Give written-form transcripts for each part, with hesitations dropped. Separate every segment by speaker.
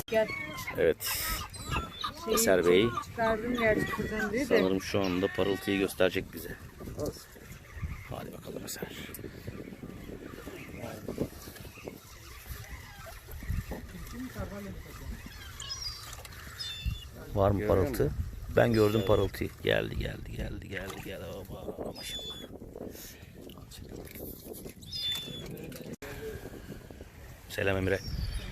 Speaker 1: Gel.
Speaker 2: Evet. Eser Bey
Speaker 1: Çıkardım gerçi buradan diye de.
Speaker 2: sanırım şu anda parıltıyı gösterecek bize. Hadi bakalım Eser. Var mı parıltı? Ben gördüm parıltıyı. Geldi. Oba, maşallah. Selam Emre.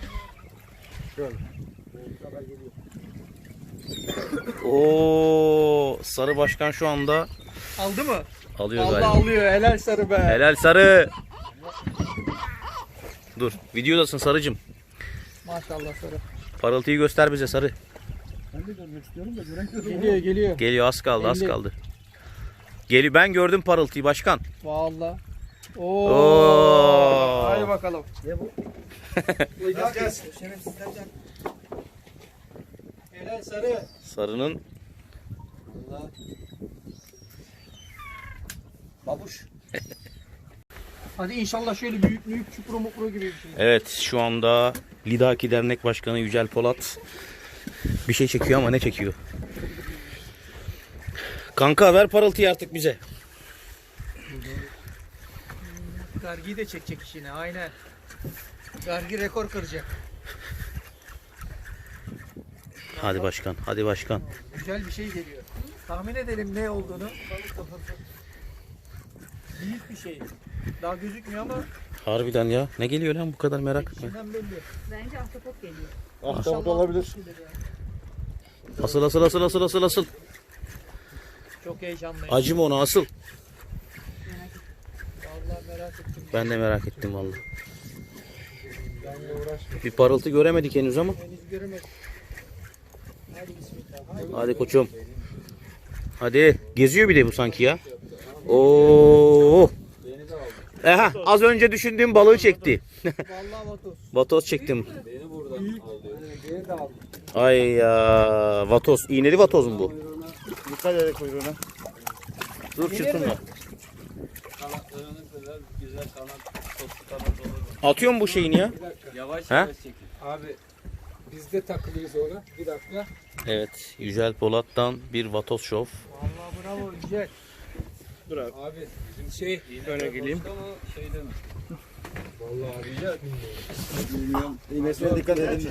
Speaker 2: Oo, Sarı Başkan şu anda
Speaker 3: Aldı mı?
Speaker 2: alıyor
Speaker 3: Allah
Speaker 2: galiba.
Speaker 3: alıyor. Helal Sarı be.
Speaker 2: Helal Sarı. Dur, videodasın Sarıcım.
Speaker 3: Maşallah Sarı.
Speaker 2: Parıltıyı göster bize Sarı.
Speaker 4: Ben de görmek istiyorum da göremiyorum.
Speaker 3: Geliyor.
Speaker 2: Geliyor, az kaldı.
Speaker 3: Elli.
Speaker 2: Geliyor, ben gördüm parıltıyı başkan.
Speaker 3: Vallahi.
Speaker 2: Oo.
Speaker 3: Hadi bakalım.
Speaker 4: Ne bu?
Speaker 3: Helal Sarı.
Speaker 2: Sarı'nın
Speaker 4: Babuş.
Speaker 3: Hadi inşallah şöyle büyük çupro mupro gibi bir şey.
Speaker 2: evet şu anda Lidaki Dernek Başkanı Yücel Polat bir şey çekiyor ama ne çekiyor? Kanka ver parıltıyı artık bize.
Speaker 3: Gargi'yi de çekecek işine aynen. Gargi rekor kıracak.
Speaker 2: Hadi başkan, hadi başkan.
Speaker 3: Güzel bir şey geliyor. Tahmin edelim ne olduğunu. Büyük bir şey. Daha gözükmüyor ama
Speaker 2: Harbiden ya. Ne geliyor lan bu kadar merak etme.
Speaker 3: içinden belli.
Speaker 1: Bence ahtapot geliyor.
Speaker 4: Ahtapot olabilir.
Speaker 2: Asıl.
Speaker 3: Çok heyecanlıyım.
Speaker 2: Acım ona asıl.
Speaker 3: Vallahi merak ettim.
Speaker 2: Ben de merak ettim vallahi.
Speaker 3: Benle uğraşma.
Speaker 2: Bir parıltı göremedik henüz ama.
Speaker 3: Henüz göremedim. Hadi bismillah.
Speaker 2: Hadi koçum. Hadi. Geziyor bir de bu sanki ya. Oo. Aha, az önce düşündüğüm balığı çekti.
Speaker 3: Vallahi Vatos.
Speaker 2: Vatoz çektim. Ay ya. Vatoz. İğneli vatoz mu bu?
Speaker 4: Dikkat ederek kuyruğuna.
Speaker 2: Dur çırpınma. Atıyor mu bu şeyini ya?
Speaker 5: Yavaş
Speaker 2: He?
Speaker 5: yavaş çekin.
Speaker 3: Abi biz de takılıyız ona. Bir dakika.
Speaker 2: Evet. Yücel Polat'tan bir vatoz şov.
Speaker 3: Vallahi bravo güzel.
Speaker 4: Dur abi.
Speaker 3: Abi bizim şey
Speaker 4: Öne geleyim.
Speaker 5: Şeyde mi?
Speaker 3: vallahi güzel.
Speaker 4: Bilmiyorum. İğnesine dikkat edin.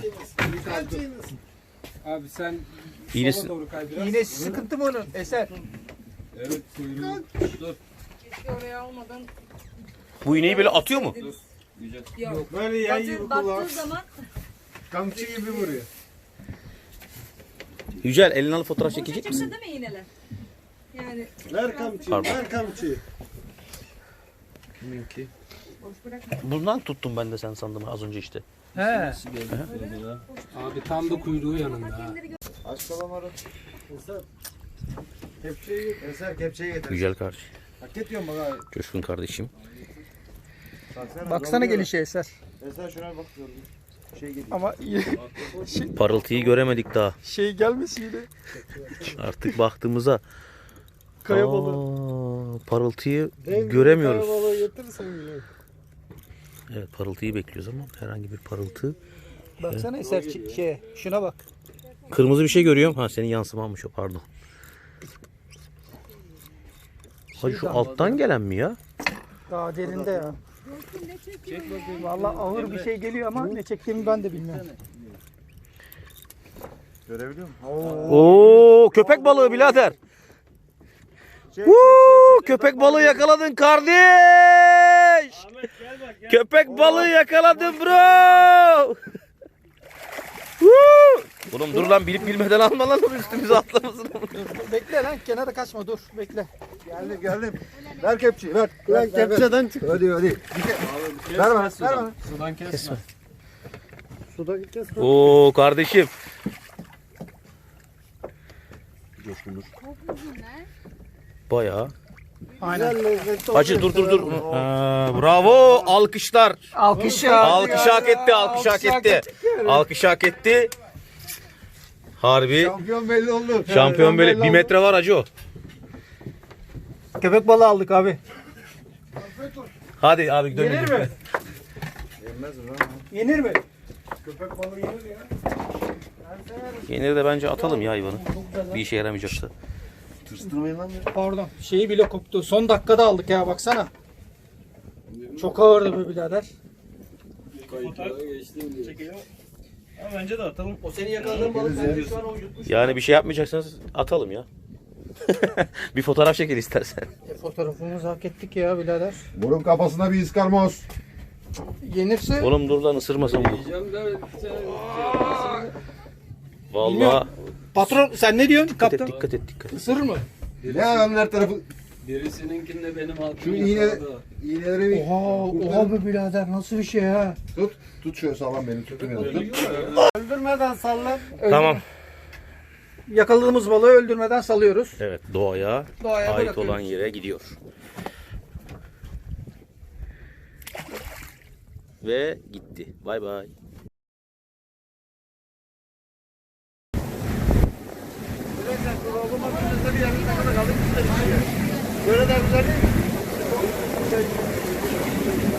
Speaker 3: Abi sen
Speaker 2: İğnesi-
Speaker 3: sola doğru kay biraz. İğnesi sıkıntı mı onun? Eser.
Speaker 5: Evet kuyruğu. Dur.
Speaker 1: Keşke oraya almadan.
Speaker 2: Bu iğneyi böyle atıyor mu?
Speaker 5: Güzel.
Speaker 1: Yok.
Speaker 4: Böyle yan gibi
Speaker 1: Baktığı
Speaker 4: kulak.
Speaker 1: zaman
Speaker 4: Kamçı gibi vuruyor.
Speaker 2: Yücel elini alıp fotoğraf
Speaker 1: boşa
Speaker 2: çekecek
Speaker 1: çıktı
Speaker 2: misin?
Speaker 1: değil mi iğneler? Yani
Speaker 4: Ver kamçıyı.
Speaker 2: Pardon.
Speaker 4: Ver kamçıyı.
Speaker 5: Kiminki?
Speaker 1: boş bırakma.
Speaker 2: Bundan tuttum ben de sen sandım az önce işte.
Speaker 3: He. Abi tam da kuyruğu yanında ha.
Speaker 4: Aç kalamarı. Eser. Kepçeyi getir. Eser kepçeyi getir.
Speaker 2: Yücel kardeş.
Speaker 4: Hak ediyorum bak abi.
Speaker 2: Coşkun kardeşim.
Speaker 3: Baksana gelişe Eser.
Speaker 4: Eser şuna bak gördün. Şey geliyor.
Speaker 3: Ama
Speaker 2: Parıltıyı göremedik daha.
Speaker 3: şey gelmesin yine.
Speaker 2: Artık baktığımıza
Speaker 3: Kaya balığı.
Speaker 2: parıltıyı göremiyoruz.
Speaker 4: Kaya balığı getirirsen güzel.
Speaker 2: Evet parıltıyı bekliyoruz ama herhangi bir parıltı.
Speaker 3: Baksana Eser şey şuna bak.
Speaker 2: Kırmızı bir şey görüyorum. Ha senin yansımanmış o pardon. Hacı şu alttan gelen mi ya?
Speaker 3: Daha derinde ya. Vallahi ağır bir şey geliyor ama ne çektiğimi ben de bilmiyorum.
Speaker 4: Görebiliyor musun?
Speaker 2: Oo köpek balığı birader. Woo, köpek balığı yakaladın kardeş. Köpek balığı yakaladın bro. Woo. Oğlum dur lan bilip bilmeden alma lan onu üstümüze atlamasın.
Speaker 3: Bekle lan kenara kaçma dur bekle.
Speaker 4: Geldim. Ver kepçeyi ver. Lan kepçeden çık. Hadi.
Speaker 5: Abi kes
Speaker 4: Ver bana, ver
Speaker 5: sudan.
Speaker 4: bana.
Speaker 5: Sudan kesme.
Speaker 4: Suda kes.
Speaker 2: Oo kardeşim. Bayağı.
Speaker 3: Aynen.
Speaker 2: Hacı dur. Bravo alkışlar.
Speaker 3: Alkış
Speaker 2: Alkış hak etti, alkış hak etti. Alkış hak etti. Harbi
Speaker 4: Şampiyon belli oldu.
Speaker 2: şampiyon böyle 1 metre var hacı o.
Speaker 3: Köpek balığı aldık abi.
Speaker 2: Hadi abi dönelim.
Speaker 3: Yenir mi?
Speaker 4: Yenmez mi lan?
Speaker 3: Yenir mi?
Speaker 4: Köpek balığı yenir ya.
Speaker 2: Yeniri de bence atalım ya hayvanı. Bir işe yaramayacaksa.
Speaker 4: Tırstırmayın lan beni.
Speaker 3: Pardon. Şeyi bile koptu. Son dakikada aldık ya baksana. Çok ağırdı be birader.
Speaker 5: Kayıtlara geçtim diye.
Speaker 4: Çekelim. Ama bence de atalım. O seni yakaladığın
Speaker 2: balık
Speaker 4: bence şu an o yutmuş.
Speaker 2: Yani bir şey yapmayacaksanız atalım ya. Bir fotoğraf çekin istersen.
Speaker 3: Fotoğrafımızı hak ettik ya birader.
Speaker 6: Burun kafasına bir iskarmoz.
Speaker 3: Yenirse
Speaker 2: Oğlum dur lan ısırmasın bu.
Speaker 5: Diyeceğim de
Speaker 2: Vallahi
Speaker 3: patron sen ne diyorsun
Speaker 2: dikkat et
Speaker 3: kaptan?
Speaker 2: dikkat et dikkat et.
Speaker 3: Isırır mı?
Speaker 6: Ne adamın her tarafı
Speaker 5: birisininkinde benim altım
Speaker 6: şu
Speaker 5: yakaladı.
Speaker 6: iğneleri bir
Speaker 3: Oha be birader nasıl bir şey ha?
Speaker 6: tut şöyle sağlam beni tutun yanına.
Speaker 3: Öldürmeden sallan.
Speaker 2: Tamam.
Speaker 3: Yakaladığımız balığı öldürmeden salıyoruz.
Speaker 2: Evet doğaya
Speaker 3: Doğaya
Speaker 2: ait
Speaker 3: bırakıyoruz.
Speaker 2: olan yere gidiyor. Ve gitti. Bay bay.
Speaker 4: Böyle de güzel değil mi?